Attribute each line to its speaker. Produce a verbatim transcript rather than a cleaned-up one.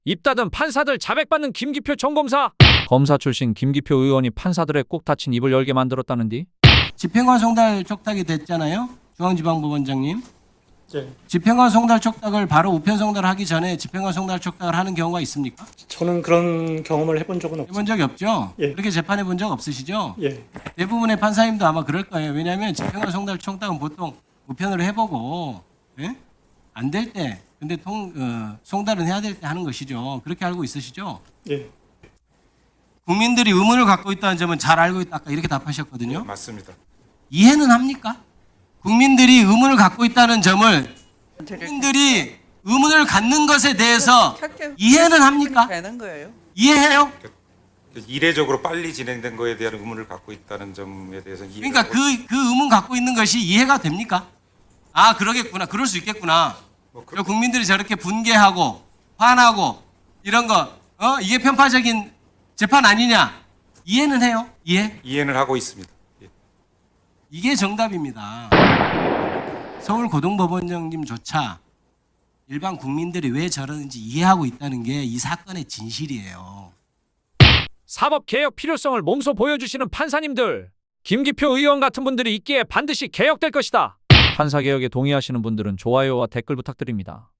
Speaker 1: 입 닫은 판사들 자백받는 김기표 총검사. 검사 출신 김기표 의원이 판사들의 꼭 닫힌 입을 열게 만들었다는디?
Speaker 2: 집행관 송달 촉탁이 됐잖아요. 중앙지방법원장님.
Speaker 3: 예,
Speaker 2: 집행관 송달 촉탁을 바로 우편 송달하기 전에 집행관 송달 촉탁을 하는 경우가 있습니까?
Speaker 3: 저는 그런 경험을 해본 적은
Speaker 2: 해본
Speaker 3: 없습니다.
Speaker 2: 적이 없죠?
Speaker 3: 예.
Speaker 2: 그렇게 재판해 본 적 없으시죠?
Speaker 3: 예,
Speaker 2: 대부분의 판사님도 아마 그럴 거예요. 왜냐하면 집행관 송달 촉탁은 보통 우편으로 해보고 예? 안 될 때, 근데 통, 어, 송달은 해야 될 때 하는 것이죠. 그렇게 알고 있으시죠?
Speaker 3: 예,
Speaker 2: 국민들이 의문을 갖고 있다는 점은 잘 알고 있다. 아까 이렇게 답하셨거든요.
Speaker 4: 맞습니다.
Speaker 2: 이해는 합니까? 국민들이 의문을 갖고 있다는 점을 국민들이 의문을 갖는 것에 대해서 이해는 합니까?
Speaker 5: 되는 거예요.
Speaker 2: 이해해요?
Speaker 4: 이례적으로 빨리 진행된 거에 대한 의문을 갖고 있다는 점에 대해서 이해가
Speaker 2: 그러니까 그, 그 의문 갖고 있는 것이 이해가 됩니까? 아, 그러겠구나. 그럴 수 있겠구나.
Speaker 4: 뭐 그-
Speaker 2: 저 국민들이 저렇게 분개하고 화나고 이런 거, 어? 이게 편파적인 재판 아니냐? 이해는 해요? 이해?
Speaker 4: 이해는 하고 있습니다. 예.
Speaker 2: 이게 정답입니다. 서울고등법원장님조차 일반 국민들이 왜 저러는지 이해하고 있다는 게 이 사건의 진실이에요.
Speaker 1: 사법개혁 필요성을 몸소 보여주시는 판사님들. 김기표 의원 같은 분들이 있기에 반드시 개혁될 것이다. 판사개혁에 동의하시는 분들은 좋아요와 댓글 부탁드립니다.